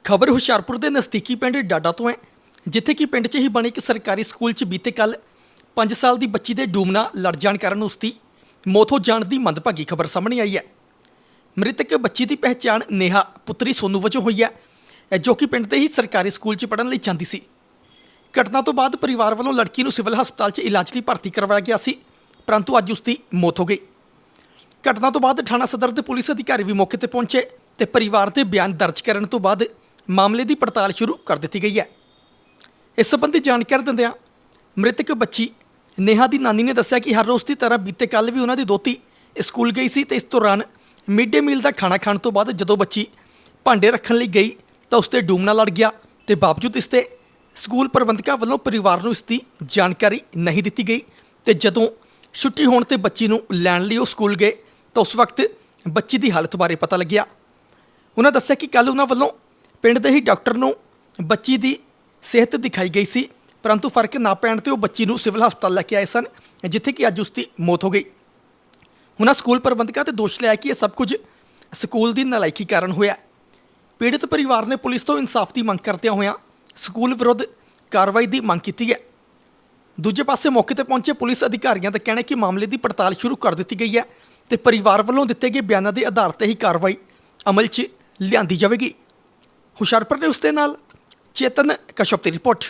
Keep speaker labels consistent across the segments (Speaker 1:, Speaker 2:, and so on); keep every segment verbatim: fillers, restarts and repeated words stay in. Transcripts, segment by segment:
Speaker 1: खबर हुशियारपुर के नज़दीकी पिंड डाडा तो है, जिथे कि पिंड च ही बने एक सरकारी स्कूल च बीते कल पाँच साल की बच्ची के डूब नाल लड़ जाण कारण उसकी मौत हो जाण की मंदभागी खबर सामने आई है। मृतक बच्ची की पहचान नेहा पुत्री सोनू वजों हुई है, जो कि पिंड के ही सरकारी स्कूल च पढ़न लई जांदी सी। घटना तो बाद परिवार वालों लड़की नूं सिविल हस्पताल च इलाज लई भर्ती करवाया गया सी, परंतु अज उसकी मौत हो गई। घटना तो बाद थाणा सदर के पुलिस अधिकारी भी मौके पर पहुंचे तो परिवार के बयान दर्ज करने तो बाद मामले की पड़ताल शुरू कर दी गई है। इस संबंधी जानकारी दिंदिआं मृतक बच्ची नेहा की नानी ने दस्सिया कि हर रोज़ की तरह बीते कल भी उन्होंने दोती स्कूल गई सी ते इस दौरान मिड डे मील का खाना खाने तो बाद जदों बच्ची भांडे रखने लई गई तो उसते डूबना लड़ गया तो बावजूद इसते स्कूल प्रबंधकों वालों परिवार नूं इसकी जानकारी नहीं दी गई। तो जदों छुट्टी होने ते बच्ची नूं लैण लई ओह स्कूल गए तो उस वक्त बच्ची की हालत बारे पता लग्या। उन्होंने दस्सिया कि कल उन्होंने वालों पिंड दे ही डॉक्टर नूं बच्ची की सेहत दिखाई गई सी, परंतु फर्क ना पैण ते ओह बच्ची नूं सिविल हस्पताल लैके आए सन, जिथे कि अज उसकी मौत हो गई। उन्होंने स्कूल प्रबंधकों ते दोष लिया कि यह सब कुछ स्कूल की नलायकी कारण होया। पीड़ित परिवार ने पुलिस तो इंसाफ की मंग करदे होया स्कूल विरुद्ध कार्रवाई की मंग की है। दूजे पासे मौके पर पहुंचे पुलिस अधिकारियों का कहना है कि मामले की पड़ताल शुरू कर दी गई है तो परिवार वालों दिए गए बयानों के आधार पर ही कार्रवाई अमल च लियांदी जाएगी। हुशियारपुर ने उसके नाल चेतन कश्यप की रिपोर्ट।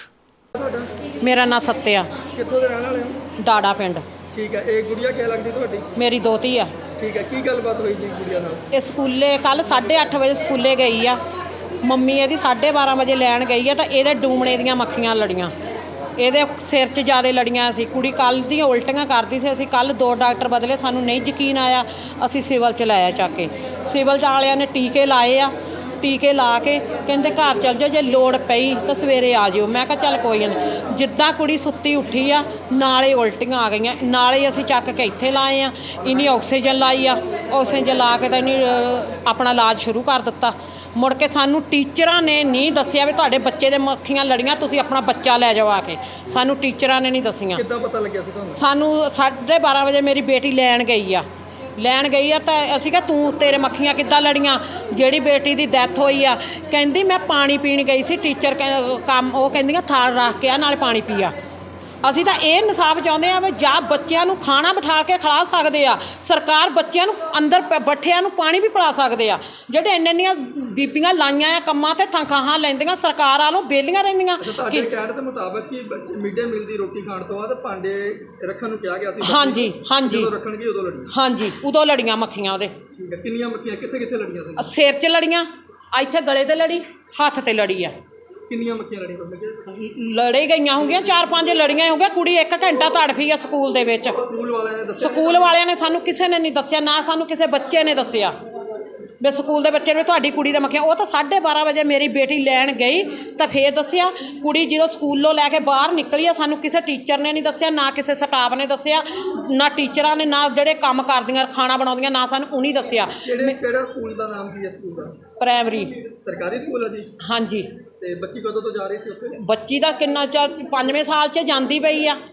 Speaker 2: मेरा नाम सत्या
Speaker 3: कित्थों दे रहण वाले हो?
Speaker 2: डाड़ा पिंड।
Speaker 3: ठीक है, एक गुड़िया क्या लगदी तुहाडी?
Speaker 2: मेरी दोती आ।
Speaker 3: ठीक है, की गलबात हुई जी गुड़िया नाल?
Speaker 2: ये स्कूले कल साढ़े अठ बजे स्कूले गई आ, मम्मी ਇਹਦੀ साढ़े बारह बजे लैन गई आ तो ਇਹਦੇ डूमणे ਦੀਆਂ ਮੱਖੀਆਂ ਲੜੀਆਂ, ਇਹਦੇ ਸਿਰ 'ਚ ਜ਼ਿਆਦਾ ਲੜੀਆਂ ਸੀ। ਕੁੜੀ ਕੱਲ੍ਹ ਦੀਆਂ ਉਲਟੀਆਂ ਕਰਦੀ ਸੀ। ਅਸੀਂ ਕੱਲ੍ਹ ਦੋ ਡਾਕਟਰ ਬਦਲੇ, ਸਾਨੂੰ ਨਹੀਂ ਯਕੀਨ ਆਇਆ, ਅਸੀਂ ਸਿਵਲ 'ਚ ਲਾਇਆ ਚੱਕ ਕੇ। ਸਿਵਲ 'ਚ ਵਾਲਿਆਂ ਨੇ ਟੀਕੇ ਲਾਏ ਆ, ਟੀਕੇ ਲਾ ਕੇ ਕਹਿੰਦੇ ਘਰ ਚੱਲ ਜਾਓ, ਜੇ ਲੋੜ ਪਈ ਤਾਂ ਸਵੇਰੇ ਆ ਜਿਓ। ਮੈਂ ਕਿਹਾ ਚੱਲ ਕੋਈ ਨਹੀਂ। ਜਿੱਦਾਂ ਕੁੜੀ ਸੁੱਤੀ ਉੱਠੀ ਆ ਨਾਲੇ ਉਲਟੀਆਂ ਆ ਗਈਆਂ, ਨਾਲੇ ਅਸੀਂ ਚੱਕ ਕੇ ਇੱਥੇ ਲਾਏ ਆ। ਇਹਨੀ ਆਕਸੀਜਨ ਲਾਈ ਆ, ਆਕਸੀਜਨ ਲਾ ਕੇ ਤਾਂ ਇਹਨੇ ਆਪਣਾ ਇਲਾਜ ਸ਼ੁਰੂ ਕਰ ਦਿੱਤਾ। ਮੁੜ ਕੇ ਸਾਨੂੰ ਟੀਚਰਾਂ ਨੇ ਨਹੀਂ ਦੱਸਿਆ ਵੀ ਤੁਹਾਡੇ ਬੱਚੇ ਦੇ ਮੱਖੀਆਂ ਲੜੀਆਂ, ਤੁਸੀਂ ਆਪਣਾ ਬੱਚਾ ਲੈ ਜਾਓ ਆ ਕੇ। ਸਾਨੂੰ ਟੀਚਰਾਂ ਨੇ ਨਹੀਂ ਦੱਸੀਆਂ।
Speaker 3: ਕਿੱਦਾਂ ਪਤਾ ਲੱਗਿਆ ਸੀ ਤੁਹਾਨੂੰ?
Speaker 2: ਸਾਨੂੰ ਸਾਢੇ ਬਾਰ੍ਹਾਂ ਵਜੇ ਮੇਰੀ ਬੇਟੀ ਲੈਣ ਗਈ ਆ, ਲੈਣ ਗਈ ਆ ਤਾਂ ਅਸੀਂ ਕਿਹਾ ਤੂੰ ਤੇਰੇ ਮੱਖੀਆਂ ਕਿੱਦਾਂ ਲੜੀਆਂ? ਜਿਹੜੀ ਬੇਟੀ ਦੀ ਡੈਥ ਹੋਈ ਆ ਕਹਿੰਦੀ ਮੈਂ ਪਾਣੀ ਪੀਣ ਗਈ ਸੀ, ਟੀਚਰ ਕੰਮ ਉਹ ਕਹਿੰਦੀਆਂ ਥਾਲ ਰੱਖ ਕੇ ਆ ਨਾਲੇ ਪਾਣੀ ਪੀਆ। ਅਸੀਂ ਤਾਂ ਇਹ ਇਨਸਾਫ ਚਾਹੁੰਦੇ ਆ ਵੀ ਜਾਂ ਬੱਚਿਆਂ ਨੂੰ ਖਾਣਾ ਬਿਠਾ ਕੇ ਖਿਲਾ ਸਕਦੇ ਆ, ਸਰਕਾਰ ਬੱਚਿਆਂ ਨੂੰ ਅੰਦਰ ਬੱਠਿਆਂ ਨੂੰ ਪਾਣੀ ਵੀ ਪਿਲਾ ਸਕਦੇ ਆ। ਜਿਹੜੇ ਇੰਨੇ ਇੰਨੀਆਂ ਬੀਬੀਆਂ ਲਾਈਆਂ ਆ ਕੰਮਾਂ ਤੇ ਤਨਖਾਹਾਂ ਲੈਂਦੀਆਂ, ਸਰਕਾਰ ਵਾਲੋਂ ਵਿਹਲੀਆਂ ਰਹਿੰਦੀਆਂ।
Speaker 3: ਤੁਹਾਡੇ ਕਹਿਣ ਦੇ ਮੁਤਾਬਕ ਕਿ ਬੱਚੇ ਮਿਡ ਡੇ ਮੀਲ ਦੀ ਰੋਟੀ ਖਾਣ ਤੋਂ ਬਾਅਦ ਭਾਂਡੇ ਰੱਖਣ ਨੂੰ ਕਿਹਾ ਗਿਆ ਸੀ।
Speaker 2: ਹਾਂਜੀ ਹਾਂਜੀ,
Speaker 3: ਜਦੋਂ ਰੱਖਣਗੇ ਉਦੋਂ ਲੜੀਆਂ? ਹਾਂਜੀ,
Speaker 2: ਉਦੋਂ ਲੜੀਆਂ ਮੱਖੀਆਂ ਉਹਦੇ।
Speaker 3: ਠੀਕ ਹੈ, ਕਿੰਨੀਆਂ ਮੱਖੀਆਂ ਕਿੱਥੇ ਕਿੱਥੇ ਲੜੀਆਂ ਸੀ?
Speaker 2: ਸਿਰ 'ਚ ਲੜੀਆਂ, ਇੱਥੇ ਗਲੇ 'ਤੇ ਲੜੀ, ਹੱਥ 'ਤੇ ਲੜੀ ਆ।
Speaker 3: ਕਿੰਨੀਆਂ ਮੱਖੀਆਂ ਲੜੀਆਂ ਤੁਹਾਨੂੰ?
Speaker 2: ਲੜੇ ਗਈਆਂ ਹੋਣਗੀਆਂ ਚਾਰ ਪੰਜ ਲੜੀਆਂ ਹੋਣਗੀਆਂ। ਕੁੜੀ ਇੱਕ ਘੰਟਾ ਤੜਫੀ ਆ ਸਕੂਲ ਦੇ ਵਿੱਚ।
Speaker 3: ਸਕੂਲ ਵਾਲਿਆਂ ਨੇ ਦੱਸਿਆ?
Speaker 2: ਸਕੂਲ ਵਾਲਿਆਂ ਨੇ ਸਾਨੂੰ ਕਿਸੇ ਨੇ ਨਹੀਂ ਦੱਸਿਆ, ਨਾ ਸਾਨੂੰ ਕਿਸੇ ਬੱਚੇ ਨੇ ਦੱਸਿਆ ਵੀ ਸਕੂਲ ਦੇ ਬੱਚੇ ਨੇ ਤੁਹਾਡੀ ਕੁੜੀ ਦਾ ਮੱਖੀਆਂ। ਉਹ ਤਾਂ ਸਾਢੇ ਬਾਰ੍ਹਾਂ ਵਜੇ ਮੇਰੀ ਬੇਟੀ ਲੈਣ ਗਈ ਤਾਂ ਫੇਰ ਦੱਸਿਆ। ਕੁੜੀ ਜਦੋਂ ਸਕੂਲੋਂ ਲੈ ਕੇ ਬਾਹਰ ਨਿਕਲੀ ਆ ਸਾਨੂੰ ਕਿਸੇ ਟੀਚਰ ਨੇ ਨਹੀਂ ਦੱਸਿਆ, ਨਾ ਕਿਸੇ ਸਟਾਫ ਨੇ ਦੱਸਿਆ, ਨਾ ਟੀਚਰਾਂ ਨੇ, ਨਾ ਜਿਹੜੇ ਕੰਮ ਕਰਦੀਆਂ ਖਾਣਾ ਬਣਾਉਂਦੀਆਂ, ਨਾ ਸਾਨੂੰ ਉਹਨੇ ਦੱਸਿਆ।
Speaker 3: ਕਿਹੜਾ ਸਕੂਲ ਦਾ ਨਾਮ ਕੀ ਹੈ ਸਕੂਲ ਦਾ?
Speaker 2: ਪ੍ਰਾਇਮਰੀ ਸਰਕਾਰੀ
Speaker 3: ਸਕੂਲ ਹੈ ਜੀ।
Speaker 2: ਹਾਂਜੀ।
Speaker 3: ਤੇ ਬੱਚੀ ਕਦੋਂ ਤੋਂ ਜਾ ਰਹੀ ਸੀ ਉੱਥੇ?
Speaker 2: ਬੱਚੀ ਦਾ ਕਿੰਨਾ ਚਾ ਪੰਜਵੇਂ ਸਾਲ 'ਚ ਜਾਂਦੀ ਪਈ ਆ।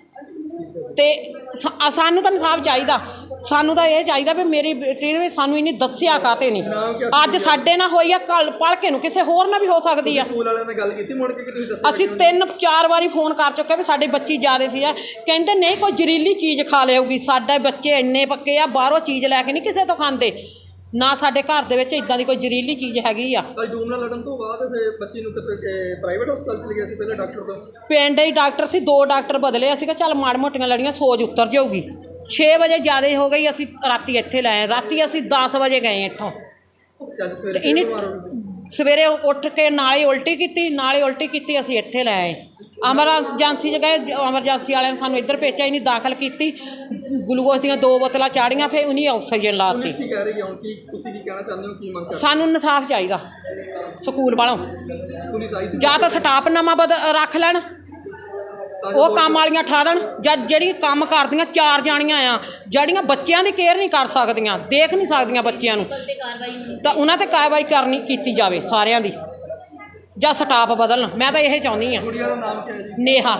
Speaker 2: ਤੇ ਸਾਨੂੰ ਤਾਂ ਇਨਸਾਫ ਚਾਹੀਦਾ, ਸਾਨੂੰ ਤਾਂ ਇਹ ਚਾਹੀਦਾ ਵੀ ਮੇਰੀ ਬੇਟੀ ਦੇ ਸਾਨੂੰ ਇਹਨੇ ਦੱਸਿਆ ਕਾਹਤੇ ਨਹੀਂ। ਅੱਜ ਸਾਡੇ ਨਾਲ ਹੋਈ ਆ, ਕੱਲ ਪੜ੍ਹ ਕੇ ਨੂੰ ਕਿਸੇ ਹੋਰ ਨਾਲ ਵੀ ਹੋ ਸਕਦੀ ਆ।
Speaker 3: ਸਕੂਲ ਵਾਲਿਆਂ ਨੇ ਗੱਲ ਕੀਤੀ ਮੁੜ ਕੇ ਕਿ ਤੁਸੀਂ ਦੱਸਿਆ?
Speaker 2: ਅਸੀਂ ਤਿੰਨ ਚਾਰ ਵਾਰੀ ਫੋਨ ਕਰ ਚੁੱਕੇ ਵੀ ਸਾਡੇ ਬੱਚੀ ਜ਼ਿਆਦੇ ਸੀ ਆ, ਕਹਿੰਦੇ ਨਹੀਂ ਕੋਈ ਜ਼ਹਿਰੀਲੀ ਚੀਜ਼ ਖਾ ਲਿਆਊਗੀ। ਸਾਡੇ ਬੱਚੇ ਇੰਨੇ ਪੱਕੇ ਆ, ਬਾਹਰੋਂ ਚੀਜ਼ ਲੈ ਕੇ ਨਹੀਂ ਕਿਸੇ ਤੋਂ ਖਾਂਦੇ, ਨਾ ਸਾਡੇ ਘਰ ਦੇ ਵਿੱਚ ਇਦਾਂ ਦੀ ਕੋਈ ਜ਼ਹਿਰੀਲੀ ਚੀਜ਼ ਹੈਗੀ ਆ।
Speaker 3: ਡੂਮ ਨਾਲ ਲੜਨ ਤੋਂ ਬਾਅਦ ਫਿਰ ਬੱਚੀ ਨੂੰ ਕਿਤੇ ਪ੍ਰਾਈਵੇਟ ਹਸਪਤਾਲ ਚ ਲਿਆ ਸੀ ਪਹਿਲੇ ਡਾਕਟਰ ਤੋਂ?
Speaker 2: ਪਿੰਡ ਹੀ ਡਾਕਟਰ ਸੀ, ਦੋ ਡਾਕਟਰ ਬਦਲੇ। ਅਸੀਂ ਕਿਹਾ ਚੱਲ ਮਾੜ ਮੋਟੀਆਂ ਲੜੀਆਂ ਸੋਜ ਉਤਰ ਜਾਊਗੀ। ਛੇ ਵਜੇ ਜ਼ਿਆਦਾ ਹੋ ਗਈ, ਅਸੀਂ ਰਾਤੀ ਇੱਥੇ ਲਾਏ। ਰਾਤੀ ਅਸੀਂ ਦਸ ਵਜੇ ਗਏ ਇੱਥੋਂ। ਇਹਨੇ ਸਵੇਰੇ ਉੱਠ ਕੇ ਨਾਲੇ ਉਲਟੀ ਕੀਤੀ, ਨਾਲੇ ਉਲਟੀ ਕੀਤੀ, ਅਸੀਂ ਇੱਥੇ ਲੈ ਆਏ। ਐਮਰਜੈਂਸੀ 'ਚ ਗਏ, ਐਮਰਜੈਂਸੀ ਵਾਲਿਆਂ ਨੇ ਸਾਨੂੰ ਇੱਧਰ ਭੇਜਿਆ। ਇਹਨੇ ਦਾਖਲ ਕੀਤੀ, ਗਲੂਕੋਜ਼ ਦੀਆਂ ਦੋ ਬੋਤਲਾਂ ਚਾੜੀਆਂ, ਫਿਰ ਉਹਨੇ ਆਕਸੀਜਨ ਲਾਤੀ।
Speaker 3: ਕੀ ਕਹਿ ਰਹੀ ਹੋ ਕਿ ਤੁਸੀਂ ਕੀ ਕਹਿਣਾ ਚਾਹੁੰਦੇ ਹੋ, ਕੀ ਮੰਗ ਕਰਦੇ?
Speaker 2: ਸਾਨੂੰ ਇਨਸਾਫ ਚਾਹੀਦਾ ਸਕੂਲ ਵਾਲੋਂ।
Speaker 3: ਪੁਲਿਸ ਆਈ ਸੀ
Speaker 2: ਜਾਂ ਤਾਂ ਸਟਾਫ ਨਵਾਂ ਬਦ ਰੱਖ ਲੈਣ, ਉਹ ਕੰਮ ਵਾਲੀਆਂ ਠਾ ਦੇਣ, ਜਾਂ ਜਿਹੜੀ ਕੰਮ ਕਰਦੀਆਂ ਚਾਰ ਜਾਣੀਆਂ ਆ ਜਿਹੜੀਆਂ ਬੱਚਿਆਂ ਦੀ ਕੇਅਰ ਨਹੀਂ ਕਰ ਸਕਦੀਆਂ, ਦੇਖ ਨਹੀਂ ਸਕਦੀਆਂ ਬੱਚਿਆਂ ਨੂੰ, ਤਾਂ ਉਹਨਾਂ 'ਤੇ ਕਾਰਵਾਈ ਕਰਨੀ ਕੀਤੀ ਜਾਵੇ ਸਾਰਿਆਂ ਦੀ, ਜਾਂ ਸਟਾਫ ਬਦਲਣ। ਮੈਂ ਤਾਂ ਇਹ ਚਾਹੁੰਦੀ ਹਾਂ।
Speaker 3: ਕੁੜੀਆਂ ਦਾ ਨਾਮ ਕੀ ਹੈ ਜੀ?
Speaker 2: ਨੇਹਾ।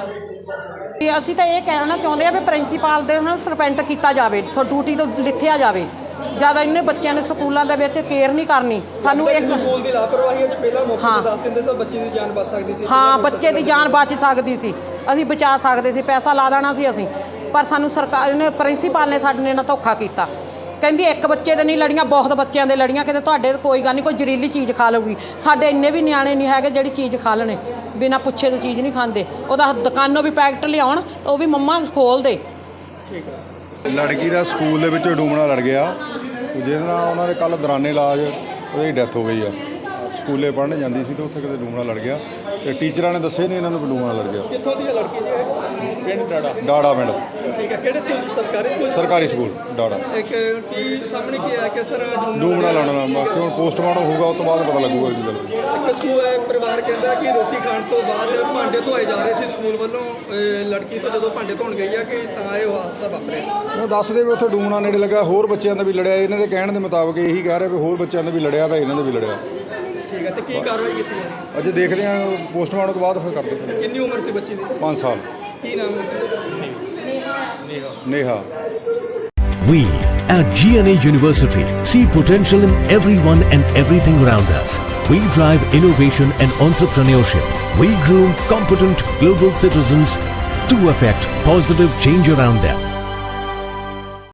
Speaker 2: ਅਸੀਂ ਤਾਂ ਇਹ ਕਹਿਣਾ ਚਾਹੁੰਦੇ ਆ ਵੀ ਪ੍ਰਿੰਸੀਪਲ ਦੇ ਉਹਨਾਂ ਨੂੰ ਸਸਪੈਂਡ ਕੀਤਾ ਜਾਵੇ, ਡਿਊਟੀ ਤੋਂ ਲਿਥਿਆ ਜਾਵੇ। ਜਦ ਇੰਨੇ ਬੱਚਿਆਂ ਨੇ ਸਕੂਲਾਂ ਦੇ ਵਿੱਚ ਕੇਅਰ ਨਹੀਂ ਕਰਨੀ ਸਾਨੂੰ ਇੱਕ
Speaker 3: ਸਕੂਲ ਦੀ ਲਾਪਰਵਾਹੀ ਅੱਜ ਪਹਿਲਾਂ ਮੌਕੇ
Speaker 2: ਹਾਂ।
Speaker 3: ਤੇ ਦੱਸ ਦਿੰਦੇ ਤਾਂ ਬੱਚੇ ਦੀ ਜਾਨ ਬਚ ਸਕਦੀ ਸੀ।
Speaker 2: ਹਾਂ ਬੱਚੇ ਦੀ ਜਾਨ ਬਚ ਸਕਦੀ ਸੀ, ਅਸੀਂ ਬਚਾ ਸਕਦੇ ਸੀ, ਪੈਸਾ ਲਾ ਦੇਣਾ ਸੀ ਅਸੀਂ, ਪਰ ਸਾਨੂੰ ਸਰਕਾਰ ਨੇ ਪ੍ਰਿੰਸੀਪਲ ਨੇ ਸਾਡੇ ਨਾਲ ਧੋਖਾ ਕੀਤਾ। ਕਹਿੰਦੀ ਇੱਕ ਬੱਚੇ ਦੇ ਨਹੀਂ ਲੜੀਆਂ, ਬਹੁਤ ਬੱਚਿਆਂ ਦੇ ਲੜੀਆਂ, ਕਹਿੰਦੇ ਤੁਹਾਡੇ ਕੋਈ ਗੱਲ ਨਹੀਂ, ਕੋਈ ਜ਼ਹਿਰੀਲੀ ਚੀਜ਼ ਖਾ ਲਊਗੀ। ਸਾਡੇ ਇੰਨੇ ਵੀ ਨਿਆਣੇ ਨਹੀਂ ਹੈਗੇ ਜਿਹੜੀ ਚੀਜ਼ ਖਾ ਲੈਣੇ, ਬਿਨਾਂ ਪੁੱਛੇ ਤੋਂ ਚੀਜ਼ ਨਹੀਂ ਖਾਂਦੇ। ਉਹਦਾ ਦੁਕਾਨੋਂ ਵੀ ਪੈਕਟ ਲਿਆਉਣ ਤਾਂ ਉਹ ਵੀ ਮੰਮਾ ਖੋਲ ਦੇ।
Speaker 3: ਠੀਕ ਹੈ।
Speaker 4: ਲੜਕੀ ਦਾ ਸਕੂਲ ਦੇ ਵਿੱਚ ਡੂਮਣਾ ਲੜ ਗਿਆ, ਜਿਹਦੇ ਨਾਲ ਉਹਨਾਂ ਦੇ ਕੱਲ੍ਹ ਦੌਰਾਨੇ ਇਲਾਜ ਉਹਦੀ ਡੈਥ ਹੋ ਗਈ ਆ। ਸਕੂਲੇ ਪੜ੍ਹਨ ਜਾਂਦੀ ਸੀ ਤੇ ਉੱਥੇ ਕਿਤੇ ਡੂਮਣਾ ਲੜ ਗਿਆ ਤੇ ਟੀਚਰਾਂ ਨੇ ਦੱਸੇ ਨਹੀਂ ਇਹਨਾਂ ਨੂੰ ਡੂਮਣਾ ਲੜ ਗਿਆ।
Speaker 3: ਕਿੱਥੋਂ ਦੀ ਹੈ ਲੜਕੀ ਜੀ ਇਹ?
Speaker 4: ਪਿੰਡ ਡਾੜਾ ਡਾੜਾ ਪਿੰਡ।
Speaker 3: ਠੀਕ ਹੈ। ਕਿਹੜੇ ਸਕੂਲ 'ਚ? ਸਰਕਾਰੀ ਸਕੂਲ 'ਚ?
Speaker 4: ਸਰਕਾਰੀ ਸਕੂਲ ਡਾੜਾ।
Speaker 3: ਇੱਕ ਕੀ ਸਾਹਮਣੇ ਕੀ ਹੈ, ਕਿਸ ਤਰ੍ਹਾਂ ਡੂਮਣਾ
Speaker 4: ਡੂਮਣਾ ਲਾਉਣਾ ਬਾਕੀ ਹੁਣ ਪੋਸਟਮਾਰਟਮ ਹੋਊਗਾ ਉਸ ਤੋਂ ਬਾਅਦ ਪਤਾ ਲੱਗੂਗਾ ਕੀ ਗੱਲ।
Speaker 3: ਇੱਕ ਸਕੂਲ ਹੈ, ਪਰਿਵਾਰ ਕਹਿੰਦਾ ਕਿ ਰੋਟੀ ਖਾਣ ਤੋਂ ਬਾਅਦ ਭਾਂਡੇ ਧੋਏ ਜਾ ਰਹੇ ਸੀ ਸਕੂਲ ਵੱਲੋਂ, ਅਹ ਲੜਕੀ ਤੋਂ ਜਦੋਂ ਭਾਂਡੇ ਧੋਣ ਗਈ ਆ ਕਿ ਤਾਂ ਇਹ ਹਾਦਸਾ ਵਾਪਰਿਆ।
Speaker 4: ਉਹ ਦੱਸਦੇ ਵੀ ਉੱਥੇ ਡੂਮਣਾ ਨੇੜੇ ਲੱਗਾ, ਹੋਰ ਬੱਚਿਆਂ ਦਾ ਵੀ ਲੜਿਆ। ਇਹਨਾਂ ਦੇ ਕਹਿਣ ਦੇ ਮੁਤਾਬਕ ਇਹੀ ਕਹਿ ਰਿਹਾ ਵੀ ਹੋਰ ਬੱਚਿਆਂ ਦਾ ਵੀ ਲੜਿਆ ਤਾਂ ਇਹਨਾਂ ਦਾ ਵੀ ਲੜਿਆ।
Speaker 3: ਠੀਕ ਹੈ। ਤੇ ਕੀ ਕਾਰਵਾਈ ਕੀਤੀ ਹੈ?
Speaker 4: ਅਜੇ ਦੇਖਦੇ ਹਾਂ ਪੋਸਟਮਾਰਟਮ ਤੋਂ ਬਾਅਦ ਫਿਰ ਕਰਦੇ।
Speaker 3: ਕਿੰਨੀ ਉਮਰ ਸੀ ਬੱਚੀ ਦੀ?
Speaker 4: ਪੰਜ ਸਾਲ।
Speaker 3: ਕੀ ਨਾਮ ਹੈ?
Speaker 4: Neha.
Speaker 5: We at G N A University see potential in everyone and everything around us. We drive innovation and entrepreneurship. We groom competent global citizens to affect positive change around them.